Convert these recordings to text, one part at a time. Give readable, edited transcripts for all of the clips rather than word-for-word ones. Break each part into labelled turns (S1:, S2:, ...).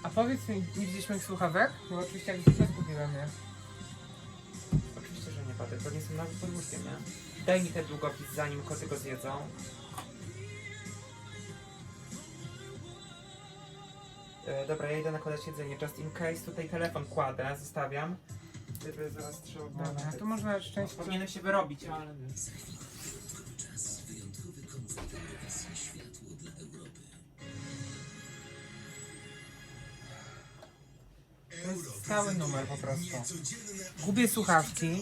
S1: A powiedz mi, nie widzieliśmy ich słuchawek? No oczywiście jak zwykle zgubiłem je.
S2: Oczywiście, że nie, Patryk, to nie są nawet pod łóżkiem, nie? Daj mi ten długopis, zanim koty go zjedzą. Dobra, ja idę nakładać jedzenie, just in case. Tutaj telefon kładę, zostawiam. Gdyby zaraz trzeba było...
S1: Dobra, to można szczęście...
S2: Powinienem się wyrobić, ale...
S1: To jest stały numer po prostu. Gubię słuchawki.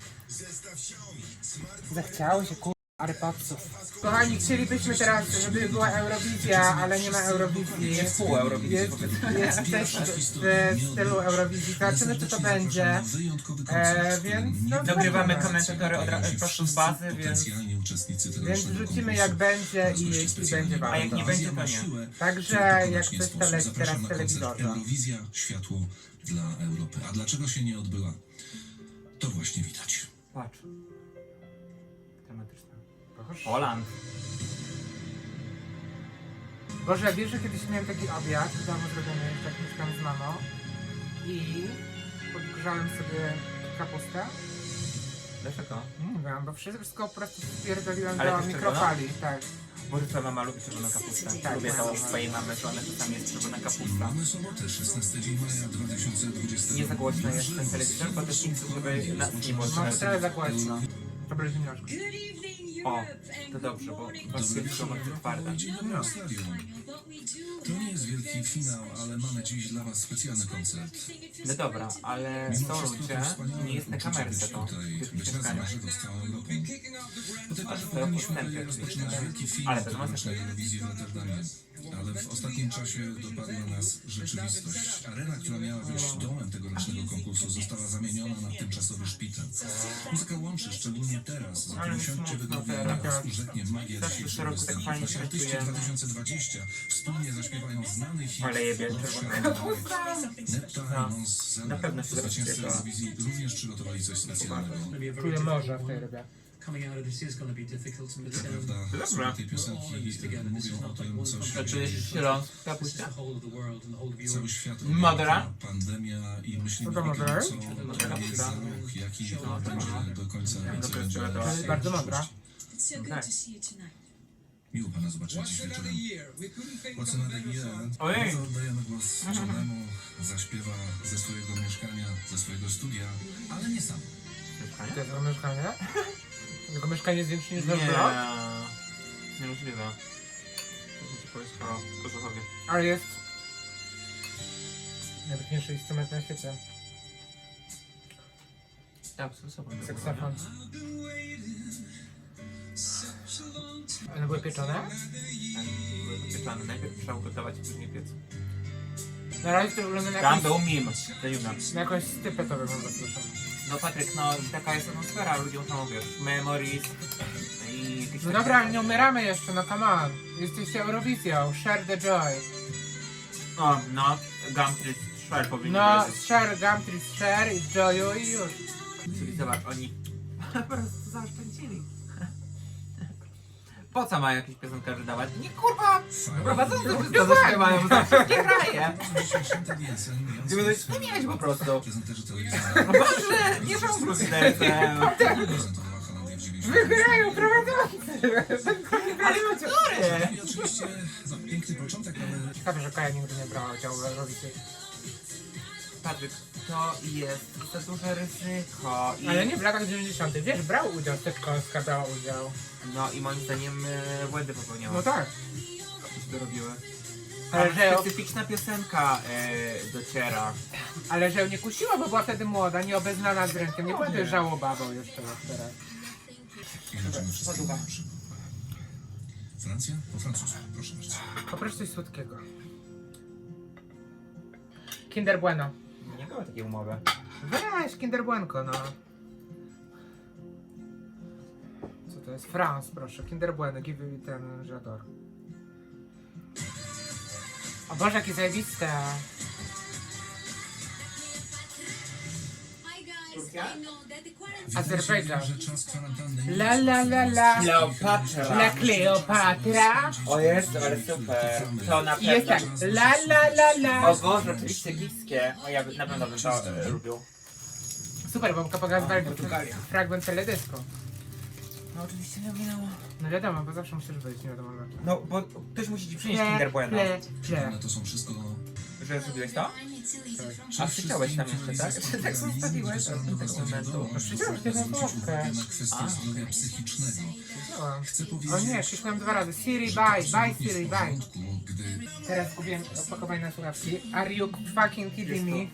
S1: Zachciało się AirPodsów. Kochani, chcielibyśmy teraz, żeby była Eurowizja, ale nie ma Eurowizji.
S2: Jest pół Eurowizji.
S1: Jest też w stylu Eurowizji. Zobaczymy, czy to będzie. Więc no,
S2: Dogrywamy
S1: zobaczymy.
S2: komentatory prosto z bazy, więc
S1: wrzucimy jak będzie i jeśli będzie warto.
S2: A jak nie będzie, to nie.
S1: Także jak coś to leci teraz w telewizorze.
S3: Eurowizja, światło dla Europy. A dlaczego się nie odbyła? To właśnie widać.
S2: Patrz. Dramatyczne. Poland.
S1: Boże, wiesz, że kiedyś miałem taki obiad w domu zrobiony, jak mieszkam z mamą i podgrzałem sobie kapustę.
S2: Dlaczego?
S1: Nie wiem, bo wszystko po prostu spierdoliłem
S2: Ale
S1: do
S2: też
S1: mikrofali, tak.
S2: Boże, twoja mama lubi czerwoną kapustę.
S1: Tak,
S2: Lubię to
S1: tak.
S2: u swojej mamy, że ona czasami jest czerwona kapusta.
S3: Mamy sobotę, 16 dzień maja 2020.
S2: Nie za głośno jest ten telewizor, bo też nie chcę, żeby nas nie było
S1: No,
S2: słychać.
S1: trochę za głośno. Dobra, ziemniaczku.
S2: O, to dobrze, bo was jest bardzo twarda.
S3: Jedziemy na stadion. To nie jest wielki finał, ale mamy dziś dla was specjalny koncert.
S2: No dobra, ale
S3: Mimo
S2: są
S3: wszystko
S2: ludzie,
S3: to wspaniałe
S2: nie jest na
S3: uczucie
S2: kamerce
S3: być
S2: to,
S3: tutaj,
S2: w
S3: być
S2: tych
S3: razem na
S2: mieszkaniach.
S3: żywo z całą Europą. Do tej pory
S2: to
S3: powinniśmy
S2: podstępy
S3: byli
S2: oczywiście.
S3: rozpoczynać wielki film,
S2: Ale
S3: który
S2: bez
S3: naszej
S2: masy.
S3: Eurowizji w Rotterdamie. Ale w ostatnim czasie dopadła nas rzeczywistość. Arena, która miała być domem tegorocznego konkursu, została zamieniona na tymczasowy szpital. Muzyka łączy, szczególnie teraz. Zatem usiądźcie wygodnie, na was urzeknie magia
S2: Zawsze
S3: dzisiejszego
S2: co roku tak
S3: występu.
S2: fajnie
S3: Nasi artyści
S2: traktuje.
S3: 2020 wspólnie zaśpiewają znany hit
S2: Ale jebie czerwonego.
S3: Nepta i Mons
S2: Na pewno się
S3: zwycięzcy
S2: zaśpiewa.
S3: Eurowizji również przygotowali coś specjalnego.
S1: Czuję morze w tej rybie.
S4: Coming out of this is going to be difficult, but
S3: Prawda, słuchaj tej piosenki mówią o tym, co się
S2: Czujesz się ląd w
S4: this is
S2: kapuście?
S4: the whole of the world and the whole of
S3: cały
S4: Europe.
S3: świat
S2: Madera?
S3: objęta pandemia i myślimy
S1: Co to
S3: tylko,
S1: Madera?
S3: co jest za rok, jaki będzie do końca, co
S2: Dobra,
S3: będzie
S2: dobra.
S1: To jest bardzo mądra.
S5: It's so good
S2: Tak.
S5: to see you tonight.
S3: Miło pana zobaczyć dziś wieczorem. What's another year?
S2: Ojej.
S3: Bardzo oddajemy głos Johnemu, zaśpiewa ze swojego mieszkania, ze swojego studia, ale nie sam.
S1: To jest jego mieszkanie? Jego mieszkanie jest większe niż nasz
S2: Nie,
S1: blog?
S2: niemożliwe. Muszę ci powiedzieć o Kożuchowie.
S1: Ale jest najpiękniejszy instrument na świecie.
S2: Tak, z sobą.
S1: Saksofon. One były pieczone?
S2: Tak, były pieczone. Najpierw trzeba ugotować, później piec.
S1: Na razie to wygląda na
S2: Tam
S1: jakąś,
S2: był mim, to Juna.
S1: na jakąś stypę to wygląda, słyszę.
S2: No Patryk, no taka jest atmosfera, ludziom tam wiesz, memories i jakieś
S1: No
S2: takie-
S1: dobra, ale nie umieramy jeszcze, no come on. Jesteście Eurowizją, share the joy.
S2: O, no, Gumtree Share powinien
S1: No,
S2: wiedzieć.
S1: share, Gumtree, share i joyu i już.
S2: Czyli zobacz, oni po prostu zaoszczędzili. Po co mają jakieś piosenkarzy dawać? Nie kurwa! Prowadzący wszystko zaśpiewają, za wszystkie kraje! Ty będziesz wspomnieć po prostu.
S3: Prezenterzy telewizyjni
S2: Boże, nie są brustercem!
S3: prezentowała Holandię w 90.
S1: Wygrają prowadzący!
S2: Ale który?
S3: I oczywiście piękny początek, ale
S1: Ciekawe, że Kaja nigdy nie brała udziału w Eurowizji.
S2: Patryk, to jest za duże ryzyko i...
S1: Ale nie w latach 90. Wiesz, brał udział, Steczkowska brała udział.
S2: No i moim zdaniem błędy popełniała.
S1: No tak.
S2: Co to robiły?
S1: Ale
S2: Ale
S1: że,
S2: specyficzna piosenka dociera.
S1: ale że ją nie kusiła, bo była wtedy młoda, nieobeznana z rynkiem. Nie była też żałobawą jeszcze teraz.
S3: jedziemy wszystkiego na żywo. Francja? Po francusku, proszę bardzo.
S1: Poproszę coś słodkiego. Kinder Bueno.
S2: Nie było takiej umowy.
S1: Weź Kinder Buenko, no. Co to jest? France, proszę. Kinder Bueno, give me ten żador. O Boże, jakie zajebiste.
S2: Turcja?
S1: Azerbejdżan.
S3: Że czas kwarantanny
S1: La la la la.
S2: Kleopatra.
S1: La Kleopatra.
S2: O Jezu, ale super. To na
S1: I jest tak.
S2: pewno.
S1: La la la la.
S2: O Boże, oczywiście egipskie. O ja na pewno bym to lubił.
S1: Super, bo pokazywali
S2: Portugalia.
S1: fragment teledysku.
S2: No oczywiście nie minęło.
S1: No wiadomo, bo zawsze musisz być, nie wiadomo.
S2: No bo ktoś musi ci przynieść Kinder Bueno.
S3: ale to są wszystko...
S2: Że zrobiłeś to? A przyciąłeś tam jeszcze, tak? Czy tak zostawiłeś od tego momentu?
S1: Przyciąłeś się na kostkę.
S3: na kwestię zdrowia psychicznego.
S1: Przyciąłam.
S3: Chcę
S1: O
S3: powiedzieć...
S1: nie, krzyknąłem 2 razy. Siri,
S3: że
S1: bye,
S3: to
S1: bye,
S3: jest
S1: Siri,
S3: w
S1: bye.
S3: porządku, gdy
S1: Teraz kupiłem opakowanie na słuchawki. Are you fucking kidding me?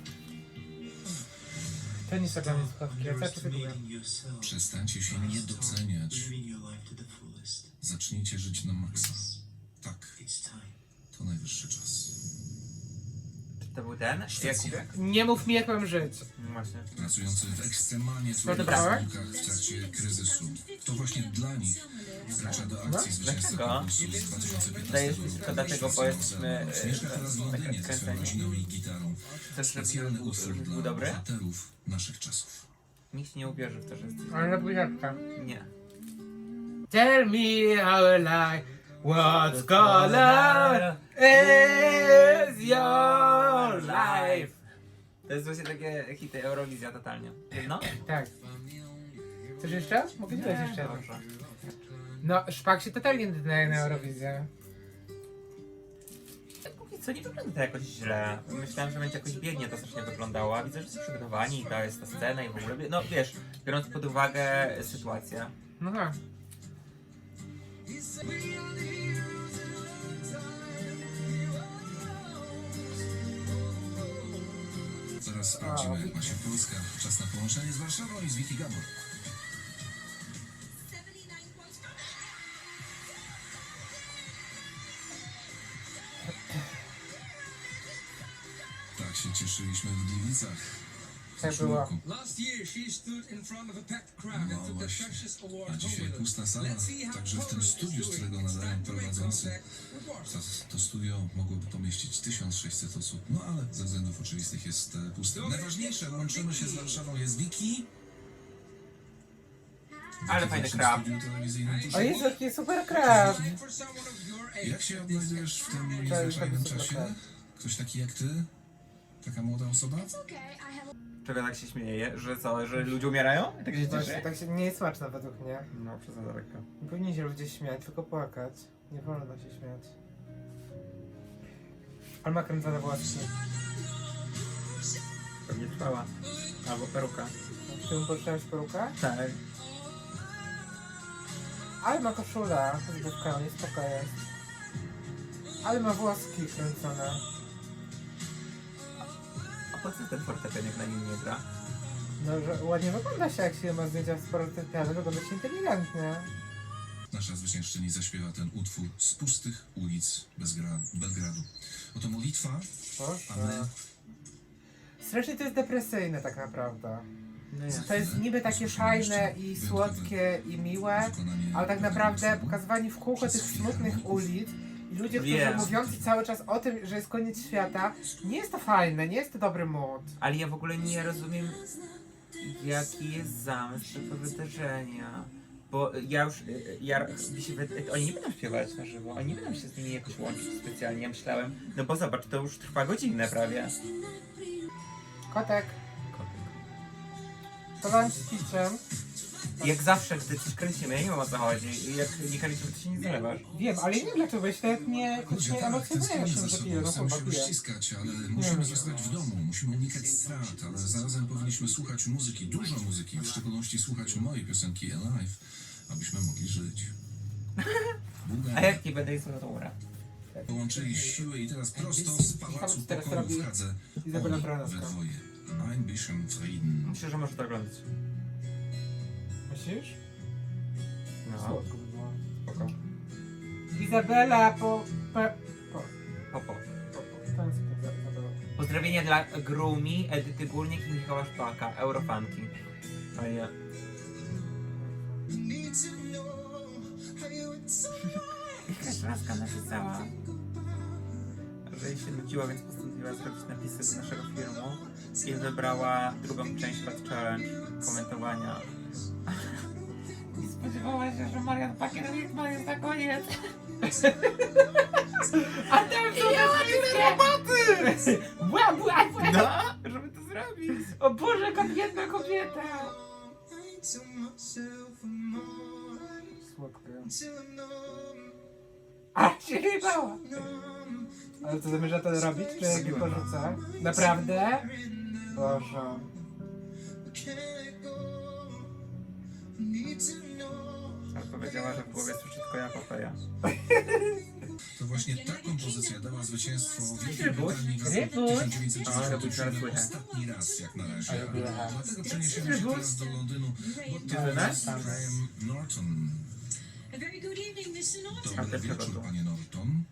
S1: To nie są dla mnie słuchawki, ja cały czas je kupię.
S3: przestańcie się nie doceniać. Zacznijcie żyć na maksa. Tak, to najwyższy czas.
S2: Czy to był ten? Jakubie?
S1: Nie mów mi jak mam żyć.
S2: No właśnie.
S3: Pracujący w ekstremalnie trudnych
S1: Odebrałeś?
S3: warunkach w trakcie kryzysu. To właśnie dla nich wkracza do akcji zwycięzca
S2: Dlaczego?
S3: konkursu z 2015
S2: Zdaje się,
S3: roku.
S2: tylko dlatego, bo jesteśmy
S3: Mieszka teraz w Londynie ze swoją
S2: kręceni.
S3: rodziną i gitarą.
S2: Chcesz, żeby
S3: Specjalny utwór
S2: był
S3: dla
S2: dobry?
S3: bohaterów naszych czasów.
S2: Nikt nie uwierzy w to, że jesteś...
S1: Ale na buziaczka.
S2: Nie.
S1: Tell me how I lie. What color is your life?
S2: To jest właśnie takie hity Eurowizja totalnie. No?
S1: Tak. Chcesz jeszcze? Mogę ci dać jeszcze.
S2: Dobrze.
S1: No, Szpak się totalnie nadaje na Eurowizję.
S2: Póki co nie wygląda to jakoś źle. Myślałem, że będzie jakoś biednie to strasznie wyglądało, a widzę, że są przygotowani i to jest ta scena i w ogóle. No wiesz, biorąc pod uwagę sytuację.
S1: No tak.
S3: Zaraz sprawdzimy, jak ma się Polska. Czas na połączenie z Warszawą i z Wiki Gabor. Tak się cieszyliśmy w Gliwicach. w
S1: Tak
S3: zeszłym
S1: było.
S3: roku.
S5: Last year, she stood in front of a packed crowd and
S3: No
S5: took the
S3: właśnie.
S5: precious
S3: A
S5: award
S3: dzisiaj
S5: home with her.
S3: pusta sala,
S5: Let's see how
S3: także w tym
S5: Poland is
S3: studiu, z
S5: doing
S3: którego
S5: in
S3: nadają
S5: direct
S3: prowadzący.
S5: contact with Warsaw.
S3: To studio mogłoby pomieścić 1600 osób, no ale ze względów oczywistych jest puste. Najważniejsze, łączymy się z Warszawą, jest Wiki.
S2: Ale
S3: Wiki
S2: fajny
S3: w naszym
S2: krab.
S3: studiu telewizyjnym tuż
S1: O Jezu, jaki super krab.
S5: Like for someone of your age,
S3: Jak się odnajdujesz w tym
S1: jest
S3: niezwyczajnym
S1: super
S3: czasie?
S1: krab.
S3: Ktoś taki jak ty? Taka młoda osoba?
S2: Czego tak się śmieje? Że co, że ludzie umierają? Tak się
S1: Właśnie,
S2: cieszy?
S1: tak się nie jest smaczne według mnie.
S2: No, przez daleko.
S1: Nie powinni się ludzie śmiać, tylko płakać. Nie wolno się śmiać. Ale ma kręcone włoski.
S2: Pewnie trwała. Albo peruka.
S1: Czy mu poczytałeś perukę?
S2: Tak.
S1: Ale ma koszula z główkami, spoko jest. Ale ma włoski kręcone.
S2: A po co ten fortepian jak na nim nie gra?
S1: No, że ładnie wygląda się, jak się ma zdjęcia z fortepianu, wygląda się inteligentnie.
S3: Nasza zwyciężczyni zaśpiewa ten utwór z pustych ulic Belgradu. Oto modlitwa, a my
S1: Boże. Strasznie to jest depresyjne tak naprawdę.
S2: No ja.
S1: To jest niby takie fajne i słodkie i miłe,
S3: wykonanie
S1: ale tak
S3: pewnego
S1: naprawdę
S3: utworu.
S1: pokazywanie w kółko tych smutnych ulic i ludzie, którzy
S2: Wiem.
S1: mówiący cały czas o tym, że jest koniec świata, nie jest to fajne, nie jest to dobry mood.
S2: Ale ja w ogóle nie rozumiem, jaki jest zamysł tego wydarzenia. Bo ja już, oni nie będą śpiewać na żywo, oni nie będą się z nimi jakoś łączyć specjalnie, ja myślałem, no bo zobacz, to już trwa godzinę prawie.
S1: Kotek, to lunch z piciem.
S2: Jak zawsze, gdy coś kręcimy, ja nie wiem o co chodzi, i jak nie kręcimy, to się nie zalewasz.
S1: Wiem, ale nie wiem dlaczego, jeśli nawet nie
S3: Ludzie,
S1: nie
S3: tak,
S1: emocjonuje
S3: tęsknimy
S1: się,
S3: za
S1: że
S3: sobą,
S1: piję, no
S3: chcemy
S1: kurwa
S3: się
S1: piję.
S3: uściskać, ale musimy zostać w domu, musimy unikać strat, ale zarazem powinniśmy słuchać muzyki, dużo muzyki, w szczególności słuchać mojej piosenki Alive, abyśmy mogli żyć.
S2: A
S3: Bułgaria
S2: jak nie będę ich dobra.
S3: połączyli siły i teraz prosto z Pałacu
S1: Teraz
S3: Pokoju
S1: robi
S3: w Hadze
S1: Izabela
S3: oni we
S1: Braunowska.
S3: dwoje. Ein bisschen Frieden.
S2: Myślę, że może to oglądać.
S1: Myślisz?
S2: No,
S1: Słodko by było.
S2: spoko.
S1: Izabela
S2: Popo.
S1: Tęsknię za Izabelą.
S2: Pozdrowienia dla Grumi, Edyty Górnik i Michała Szpaka, Eurofanki. Fajnie. Jakaś laska napisała, że jej się nudziło, więc postanowiła postanowiła zrobić napisy do naszego filmu i wybrała drugą część Fat Challenge komentowania. I spodziewała się, że Marian Pakier-Wittmann jest na koniec. A tam są ja tyle roboty! No, żeby to zrobić.
S1: O Boże, jaka biedna kobieta! Słodka. A, się nie bała! Ale co zamierza to robić? Czy jak
S2: Zrobiłem.
S1: porzuca? Naprawdę? Boże.
S2: Ale powiedziała, że w głowie słyszy tylko ja Papeja.
S3: To właśnie ta kompozycja dała zwycięstwo Wielkiej
S2: Rybuś.
S3: Brytanii w
S1: Rybuś.
S3: 1997 ostatni raz jak na razie.
S1: Ale była.
S3: Dlatego przeniesiemy się teraz do Londynu, bo to
S2: Rybuś.
S3: jest Graham Norton.
S6: A very good evening, Mr. Norton.
S3: Dobry
S2: Dlaczego
S3: wieczór,
S2: to?
S3: panie Norton.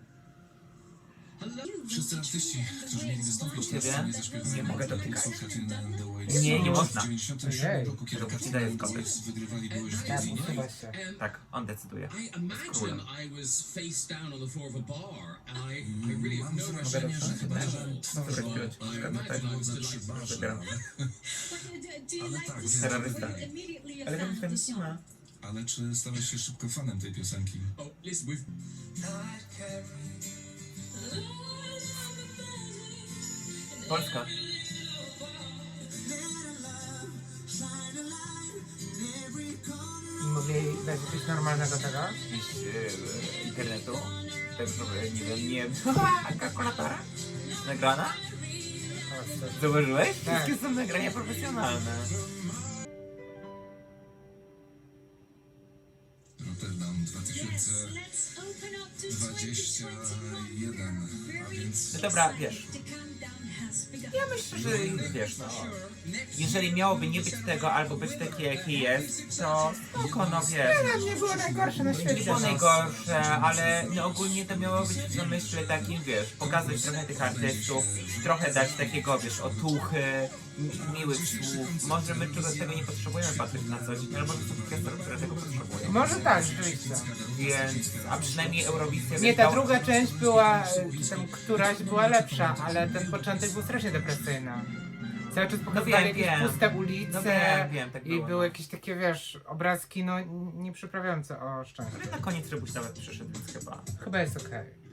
S3: Wszyscy artyści, którzy mieli wystąpić na
S2: Ciebie?
S3: scenie zaśpiewali
S2: Nie mogę dotykać.
S3: Katrina
S2: Nie, nie można.
S3: W 97 roku, kiedy
S2: To ci
S3: Katrina
S2: daje
S3: and the
S2: skopy.
S3: Waves wygrywali, byłeś w
S1: Ja
S3: Dublinie.
S1: usuwa się.
S2: Tak, on decyduje.
S7: I imagine I was face down on the floor of a bar, and I really have
S3: Mam
S7: no
S3: wrażenie, że chyba że
S2: Dobra, chwilę,
S3: I
S2: czekam tutaj.
S3: imagine I was przy barze,
S2: Wybieram.
S3: Ale tak,
S2: Terrorysta.
S6: Immediately
S2: Ale
S6: a fan
S2: tam
S6: of the
S2: nie ma.
S3: ale czy stałeś się szybko fanem tej piosenki?
S7: Oh, listen, we've
S2: Polska.
S1: Mogli dać coś normalnego tego?
S2: Gdzieś internetu. Tak, żeby, nie wiem, nie... Kalkulatora? Nagrana?
S1: O, co-
S2: Zauważyłeś?
S1: Tak.
S2: Wszystkie są nagrania profesjonalne.
S3: Rotterdam
S6: Yes, let's open up to
S3: 2021, a więc
S2: No dobra, wiesz.
S6: The countdown has begun.
S2: Ja myślę, że wiesz, no... Jeżeli miałoby nie być tego, albo być takie, jakie jest, to spoko, no wiesz.
S1: Nie było najgorsze na
S2: Nie
S1: świecie.
S2: było najgorsze, ale no ogólnie to miało być w zamyśle takim, wiesz, pokazać trochę tych artystów, trochę dać takiego, wiesz, otuchy, miłych słów. Może my czegoś tego nie potrzebujemy patrzeć na coś, albo są kwestie, które tego potrzebują.
S1: Może tak, rzeczywiście.
S2: Więc, a przynajmniej Eurowizja...
S1: Nie, ta
S2: wydała-
S1: druga część była, czy tam któraś była lepsza, ale ten początek był strasznie depresyjny. Cały czas pokazywali
S2: wiem,
S1: jakieś
S2: wiem.
S1: puste ulice
S2: No wiem, tak
S1: i
S2: było.
S1: były jakieś takie, wiesz, obrazki, no nie przyprawiające o szczęście.
S2: Ale na koniec Rybuś nawet przyszedł, więc chyba...
S1: Chyba jest okej.